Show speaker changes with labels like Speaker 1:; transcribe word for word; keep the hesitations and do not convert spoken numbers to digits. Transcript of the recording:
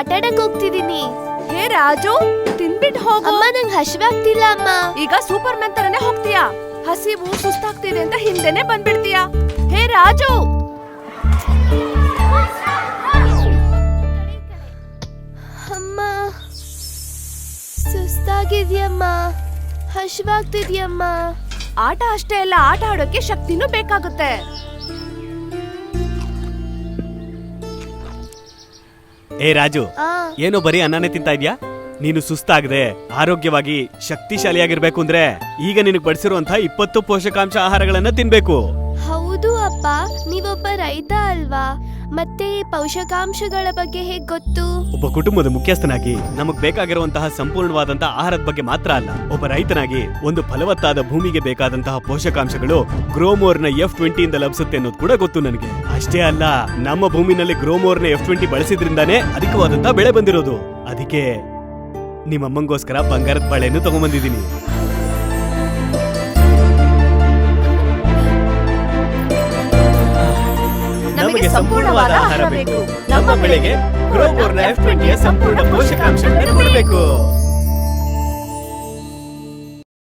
Speaker 1: ಆಟಾಡಕ್ ಹೋಗ್ತಿದೀನಿ.
Speaker 2: ಹೇ ರಾಜು, ತಿನ್ಬಿಟ್ ಹೋಗು.
Speaker 1: ಅಮ್ಮ ನಂಗ್ ಹಶ್ವಾಗ್ತಿಲ್ಲ ಅಮ್ಮ.
Speaker 2: ಈಗ ಸೂಪರ್ ಮ್ಯಾನ್ ತರನೇ ಹೋಗ್ತೀಯಾ? ಹಸಿವು ಸುಸ್ತಾಗ್ತಿದೆ ಅಂತ ಹಿಂದೆನೆ ಬಂದ್ಬಿಡ್ತೀಯಾ? ಹೇ ರಾಜು,
Speaker 1: ಅಮ್ಮ ಸುಸ್ತಾಗಿದ್ಯಮ್ಮ, ಹಶ್ವಾಗ್ತಿದ್ಯಮ್ಮ.
Speaker 2: ಆಟ ಅಷ್ಟೇ ಅಲ್ಲ, ಆಟ ಆಡೋಕೆ ಶಕ್ತಿನೂ ಬೇಕಾಗುತ್ತೆ.
Speaker 3: ಏ ರಾಜು,
Speaker 1: ಆ
Speaker 3: ಏನೋ ಬರೀ ಅನ್ನನೇ ತಿಂತಾ ಇದ್ಯಾ? ನೀನು ಸುಸ್ತಾಗದೆ ಆರೋಗ್ಯವಾಗಿ ಶಕ್ತಿಶಾಲಿಯಾಗಿರ್ಬೇಕು ಅಂದ್ರೆ ಈಗ ನಿನಗೆ ಬಡಿಸಿರುವಂತಹ ಇಪ್ಪತ್ತು ಪೋಷಕಾಂಶ ಆಹಾರಗಳನ್ನ ತಿನ್ಬೇಕು.
Speaker 1: ಹೌದು ಅಪ್ಪ, ನೀವೊಬ್ಬ ರೈತ ಅಲ್ವಾ? ಮತ್ತೆ ಈ ಪೋಷಕಾಂಶಗಳ ಬಗ್ಗೆ ಹೇಗ್ ಗೊತ್ತು?
Speaker 3: ಒಬ್ಬ ಕುಟುಂಬದ ಮುಖ್ಯಸ್ಥನಾಗಿ ನಮಗ್ ಬೇಕಾಗಿರುವಂತಹ ಸಂಪೂರ್ಣವಾದಂತಹ ಆಹಾರದ ಬಗ್ಗೆ ಮಾತ್ರ ಅಲ್ಲ, ಒಬ್ಬ ರೈತನಾಗಿ ಒಂದು ಫಲವತ್ತಾದ ಭೂಮಿಗೆ ಬೇಕಾದಂತಹ ಪೋಷಕಾಂಶಗಳು ಗ್ರೋಮೋರ್ ನ ಎಫ್ ಟ್ವೆಂಟಿ ಇಂದ ಲಭಿಸುತ್ತೆ ಅನ್ನೋದು ಕೂಡ ಗೊತ್ತು ನನಗೆ. ಅಷ್ಟೇ ಅಲ್ಲ, ನಮ್ಮ ಭೂಮಿನಲ್ಲಿ ಗ್ರೋಮೋರ್ ನ ಎಫ್ ಟ್ವೆಂಟಿ ಬಳಸಿದ್ರಿಂದಾನೇ ಅಧಿಕವಾದಂತಹ ಬೆಳೆ ಬಂದಿರೋದು. ಅದಕ್ಕೆ ನಿಮ್ಮಮ್ಮಂಗೋಸ್ಕರ ಬಂಗಾರದ ಬಾಳೆಯನ್ನು ತಗೊಂಡ್ಬಂದಿದ್ದೀನಿ.
Speaker 2: ನಮಗೆ ಸಂಪೂರ್ಣವಾದ ಆಹಾರ ಬೇಕು. ನಮ್ಮ ಬೆಳೆಗೆ
Speaker 3: ಗ್ರೋಮೋರ್ ನ ಎಫ್ ಟ್ವೆಂಟಿ ಸಂಪೂರ್ಣ ಪೋಷಕಾಂಶಗಳನ್ನು ಕೊಡಬೇಕು.